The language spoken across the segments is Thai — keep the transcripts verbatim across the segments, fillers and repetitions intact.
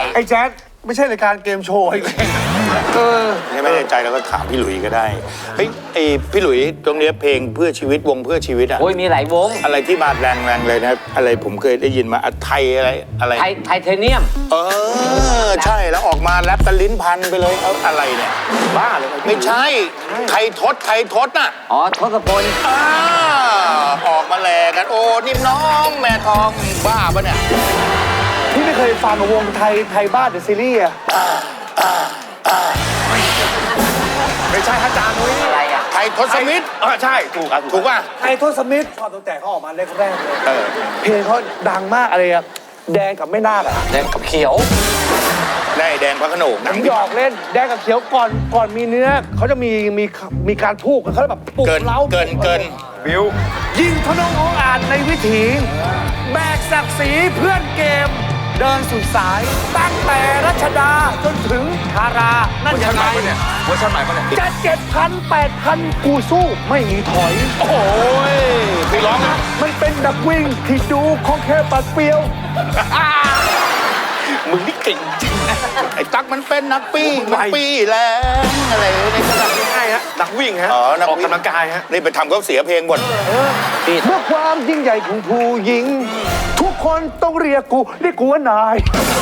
ไอ้แจ๊ดไม่ใช่รายการเกมโชว์อีกเลยเออไม่ในใจเราก็ถามพี่หลุยก็ได้เฮ้ยไอพี่หลุยตรงนี้เพลงเพื่อชีวิตวงเพื่อชีวิตอะโอ้ยมีหลายวงอะไรที่มาแรงๆเลยนะอะไรผมเคยได้ยินมาไทยอะไรอะไรไทไทเทเนียมเออใช่แล้วออกมาแรปกันลิ้นพันไปเลยเอาอะไรเนี่ยบ้าเลยไม่ใช่ไทยทศไทยทศน่ะอ๋อทศพลอ่าออกมาแลกันโอ้นิ่มน้องแม่ทองบ้าปะเนี่ยพี่ไม่เคยฟังวงไทยไทยบ้านเดอะซีรีส์อะไม่ใช่อาจารย์นุ้ยอะไรอะไทยทศมิตรเออใช่ถูกอ่ะถูกป่ะไทยทศมิตรชอบตั้งแต่เขาออกมาแรกๆเลยเพลงเขาดังมากอะไรอะแดงกับไม่นาคอะแดงกับเขียวได้แดงพระโขนงผมหยอกเล่นแดงกับเขียวก่อนก่อนมีเนื้อเขาจะมีมีมีการพูกเขาแบบปลุกเล้าเกินเกินบิวยิงทะนงองอาจในวิถีแบกศักดิ์ศรีเพื่อนเกมเดินสุดสายตั้งแต่รัชดาจนถึงธารานั่นยังไงเวอร์ชันใหม่ปะเนี่ยจะเจ็ดพันแปดพันกูสู้ไม่มีถอยโอ้ยไปร้องมันเป็นนักวิ่งที่ดูของแค่ปัดเปรียวมึงนี่เก่งจริงไอ้ตั๊กมันเป็นนักปี้นักปี้แล้วอะไรในขนาดง่ายฮะนักวิ่งฮะอ๋อนักออกกำลังกายฮะนี่ไปทำเขาเสียเพลงหมดเมื่อความยิ่งใหญ่ของผู้หญิงทุกคนต้องเรียกกูเรียกกูว่านาย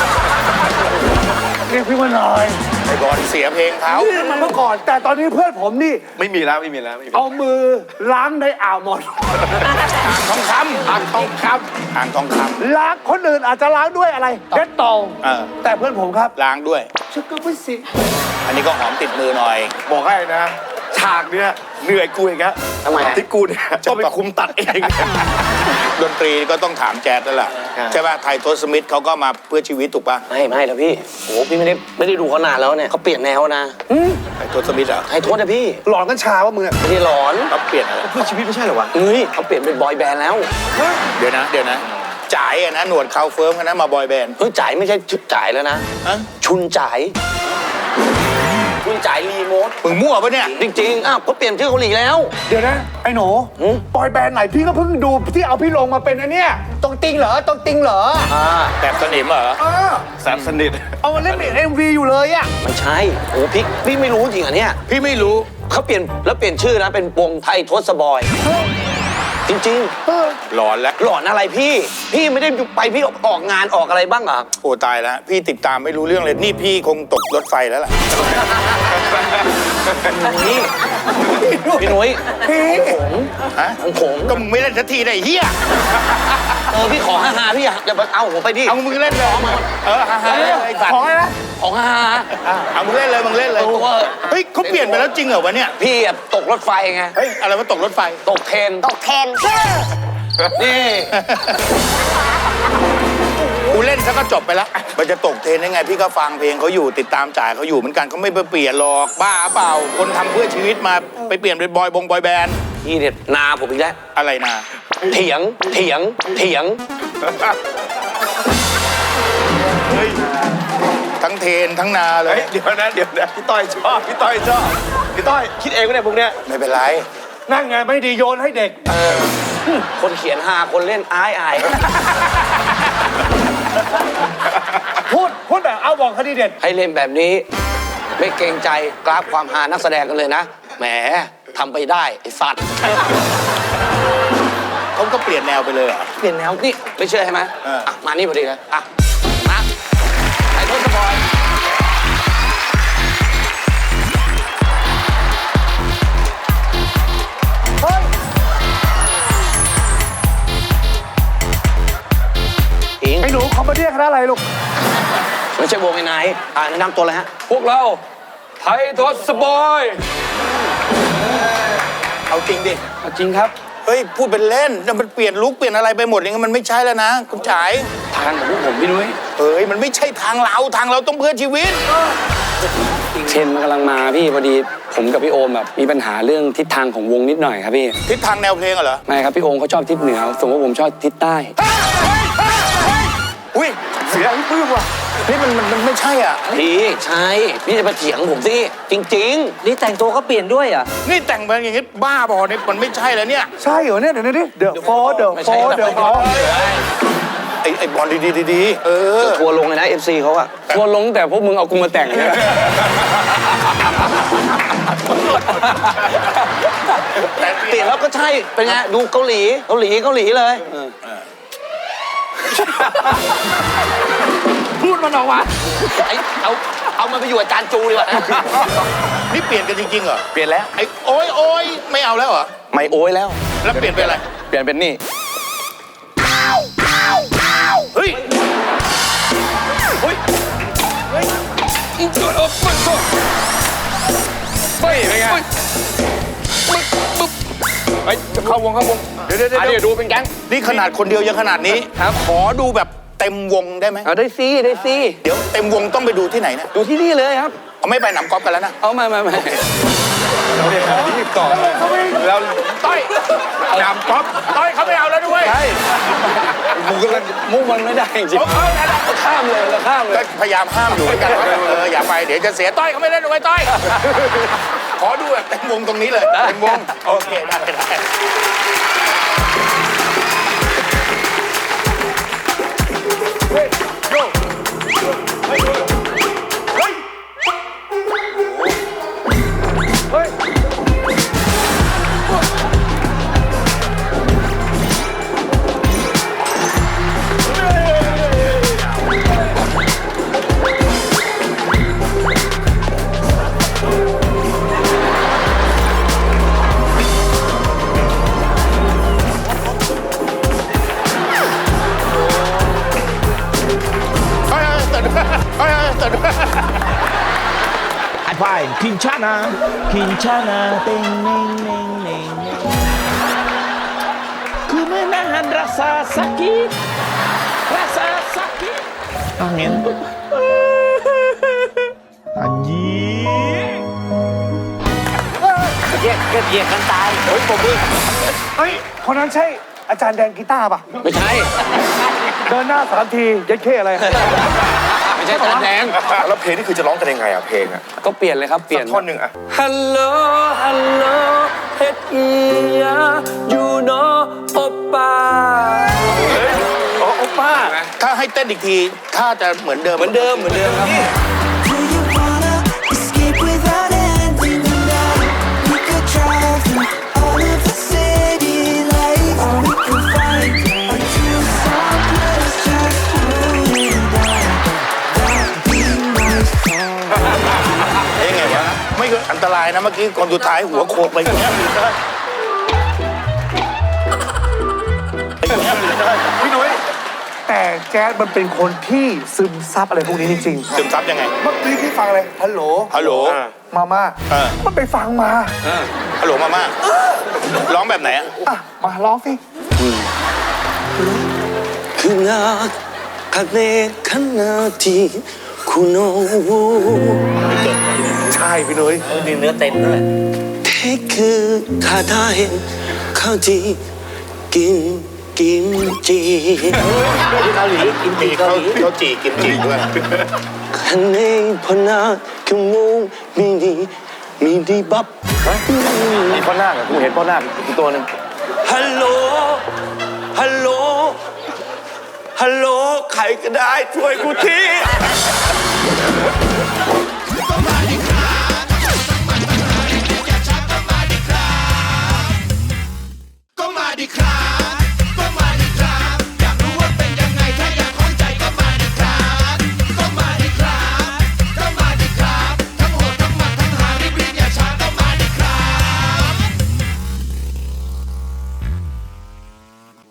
เรียกพี่ว่านายไอ้บอลเสียเพลงเขามันเมื่อก่อนแต่ตอนนี้เพื่อนผมนี่ไม่มีแล้วไม่มีแล้วเอามือล้างในอ่าวหมดอ่างทองคำอ่างทองคำอ่างทองคำล้างคนอื่นอาจจะล้างด้วยอะไรเด็ดตองแต่เพื่อนผมครับล้างด้วยชุกกระพุ้สิอันนี้ก็หอมติดมือหน่อยบอกให้นะฉากเนี้ยเหนื่อยกูเองครับทำไมที่กูเนี่ยจะไปคุมตัดเองดนตรีก็ต้องถามแจ๊ดแล้วล่ะใช่ป่ะไทยทศมิตรเขาก็มาเพื่อชีวิตถูกป่ะไม่ไม่แล้วพี่โอ้พี่ไม่ได้ไม่ได้ดูเขานานแล้วเนี่ยเขาเปลี่ยนแนวนะไทยทศมิตรเหรอไทยทศนะพี่หลอนกัญชาว่ามึงไม่ได้หลอนเขาเปลี่ยนอะไรเพื่อชีวิตไม่ใช่เหรอวะเฮ้ยเขาเปลี่ยนเป็นบอยแบนด์แล้วเดี๋ยวนะเดี๋ยวนะจ่ายอะนะหนวดเขาเฟิร์มกันนะมาบอยแบนด์เฮ้ยจ่ายไม่ใช่ชุดจ่ายแล้วนะชุนจ่ายชุนจ่ายรีโมทมึงมั่วปะเนี่ยจริงๆอ้าวเขาเปลี่ยนชื่อเกาหลีแล้วเดี๋ยวนะไอ้หนูบอยแบนด์ไหนพี่ก็เพิ่งดูที่เอาพี่ลงมาเป็นอันเนี้ยตรงติงเหรอตรงติงเหรออ่าแบบสนิมเหรอเออแซมสนิทเอามาเล่นเป็นเอ็มวีอยู่เลยอะไม่ใช่โอ้พี่พี่ไม่รู้จริงอ่ะเนี่ยพี่ไม่รู้เขาเปลี่ยนแล้วเปลี่ยนชื่อนะเป็นวงไทยทศบอยจริงๆหลอนแล้วหลอนอะไรพี่พี่ไม่ได้ไปพี่ออกงานออกอะไรบ้างเหรอโอ้ตายแล้วพี่ติดตามไม่รู้เรื่องเลยนี่พี่คงตกรถไฟแล้วล่ะนี่พี่นุ้ยพี่ผมฮะของผมก็มึงไม่เล่นสักทีได้เฮียเออพี่ขอฮ่าฮ่าพี่อย่าเอาผมไปดิเอามึงเล่นเลยเออฮ่าฮ่าขอนะของฮ่าฮ่าเอามึงเล่นเลยมึงเล่นเลยเฮ้ยเขาเปลี่ยนไปแล้วจริงเหรอวะเนี่ยพี่ตกรถไฟไงเฮ้ยอะไรวะตกรถไฟตกเทรนตกเทรนนี่กูเล่นซะก็จบไปแล้วมันจะตกเทรนได้ไงพี่ก็ฟังเพลงเขาอยู่ติดตามจ่ายเขาอยู่เหมือนกันเขาไม่ไปเปลี่ยนหรอกบ้าเปล่าคนทำเพื่อชีวิตมาไปเปลี่ยนเป็นบอยบงบอยแบนด์นี่เด็ดนาผมอีกแล้วอะไรนาเถียงเถียงเถียงทั้งเทนทั้งนาเลยเดี๋ยวนะเดี๋ยวนะพี่ต้อยชอบพี่ต้อยชอบพี่ต้อยคิดเองก็ได้พวกเนี้ยไม่เป็นไรนั่งไงไม่ดีโยนให้เด็กคนเขียนฮาคนเล่นอายอายพูดพูดแบบเอาบอกคดีเด็ดให้เล่นแบบนี้ไม่เกรงใจกราฟความฮานักแสดงกันเลยนะแหมทำไปได้ไอ้สัตว์เขาก็เปลี่ยนแนวไปเลยอ่ะเปลี่ยนแนวนี่ไม่เชื่อใช่ไหมอ่ะมานี่พอดีเลยอ่ะมาไอ้ทศบอยไอ้หนูคอมเมดี้คณะอะไรลูกไม่ใช่วงไอ้นายอ่าแนะนำตัวเลยฮะพวกเราไทยทศบอยเอาจริงดิเอาจริงครับเฮ้ยพูดเป็นเล่นแต่มันเปลี่ยนลุคเปลี่ยนอะไรไปหมดอย่างงี้มันไม่ใช่แล้วนะคุณจ๋ายทางของพวกผมพี่นุ้ยเฮ้ยมันไม่ใช่ทางเราทางเราต้องเพื่อชีวิตเทรนมันกำลังมาพี่พอดีผมกับพี่โอมแบบมีปัญหาเรื่องทิศทางของวงนิดหน่อยครับพี่ทิศทางแนวเพลงเหรอไม่ครับพี่โอมเขาชอบทิศเหนือส่วนว่าผมชอบทิศใต้อุ้ยเสียพี่ปื้มว่ะนี่มันมันไม่ใช่อ่ะพี่ใช่พี่จะมาเถียงผมสิจริงๆนี่แต่งตัวก็เปลี่ยนด้วยอ่ะนี่แต่งมาอย่างงี้บ้าบอเนี่ยมันไม่ใช่แล้วเนี่ยใช่เหรอเนี่ยเดี๋ยวนี้เดี๋ยวโฟเดี๋ยวโฟเดี๋ยวโฟไออ้ไอ้บอลดีๆดีๆเออทัวร์ลงเลยนะ เอฟ ซี เขาอะทัวร์ลงแต่พวกมึงเอากูมาแต่งเนี่ยแต่เปเปลี่ลี่ยยนนแล้แล้ว วก็ใช่ เป็นไง ดูเกาหลี เกาหลี เกาหลีเลยพูดมันออกมาไอ้เอาเอามันไปอยู่อาจารย์จูดีกว่านะนี่เปลี่ยนกันจริงๆเหรอเปลี่ยนแล้วไอ้โอ้ยโอ้ยไม่เอาแล้วเหรอไม่โอ้ยแล้วแล้วเปลี่ยนเป็นอะไรเปลี่ยนเป็นนี่เฮ้ยเฮ้ยเฮ้ยเป็นไงเฮ้ยเข้าวงเข้าวงเดี๋ยวเดี๋ยวอันเดี๋นี้ยวดูเป็นแก๊งนี่ขนาดคนเดียวยังขนาดนี้ครับขอดูแบบเต็มวงได้ไหมเอาได้ซีได้ซีเดี๋ยวเต็มวงต้องไปดูที่ไหนนะดูที่นี่เลยครับเอาไม่ไปหนำกอล์ฟกันแล้วนะเอามามามาที่ต่อแล้วต้อยหนำกอล์ฟต้อยเขาไม่เอาแล้วด้วยใช่กูกำลังมุ่งมันไม่ได้จริงเออเออนั่นแหละๆข้ามเลยแล้วข้ามเลก็ยพยายามห้ามอยู่เหมือนกันว่าเอออย่าไปเดี๋ยวจะเสียต้อยเขาไม่เล่นด้วยต้อยขอดูแบบเต็มวงตรงนี้เลยเต็มวงโอเคได้ได้เฮ้ยเฮ้ยตื่นเฮ้ยเฮ้ยตื่น Fine, Kinchana, Kinchana, ting, ning, ning, ning, ning. Ku menahan rasa sakit, rasa sakit. Angin. Anjing. เรียกเรียกเรียกกันตายเฮ้ยปมมือเฮ้ย คนนั้นใช่อาจารย์แดงกีตาร์ป่ะไม่ใช่เดินหน้าสามทียัดเข้อะไรไม่ใช่จานแดงแล้วเพลงนี่คือจะร้องกันยังไงอ่ะเพลงอ่ะก็เปลี่ยนเลยครับเปลี่ยนท่อนหนึ่งอ่ะฮัลโหลฮัลโหลเฮ็ดอียายูโนโอป้าโอ้ป้าถ้าให้เต้นอีกทีถ้าจะเหมือนเดิมเหมือนเดิมเหมือนเดิมครับ Do you wanna escape without ending the night? We could drive through all of the city lights. Or we could find a true someplace just you and I. That'd be nice. เอ้ยไงวะไม่คืออันตรายนะเมื่อกี้คนสุดท้ายหัวโขกไปอย่างเงี้ยพี่นุ้ยแต่แจ๊ดมันเป็นคนที่ซึมซับอะไรพวกนี้จริงซึมซับยังไงๆ เมื่อกี้พี่ฟังอะไรฮัลโหลฮัลโหลมาม่าเออมันไปฟังมาฮัลโหลมาม่าร้องแบบไหนอะอ่ะ มาร้องสิ 그날 가네 가나디 구노 ใช่พี่นุ้ยมีเนื้อเต็มด้วย 테크 가다엔 가디 김김치 เกาหลีกินมีจีเกาเขาหลีเขาจีกิมจีด้วย 가네 버나 교모 미니 미니밥 มีพ่อนาคกูเห็นพ่อนาคอีกตัวหนึ่ง 할로 할로 할로 ใครก็ได้ช่วยกูที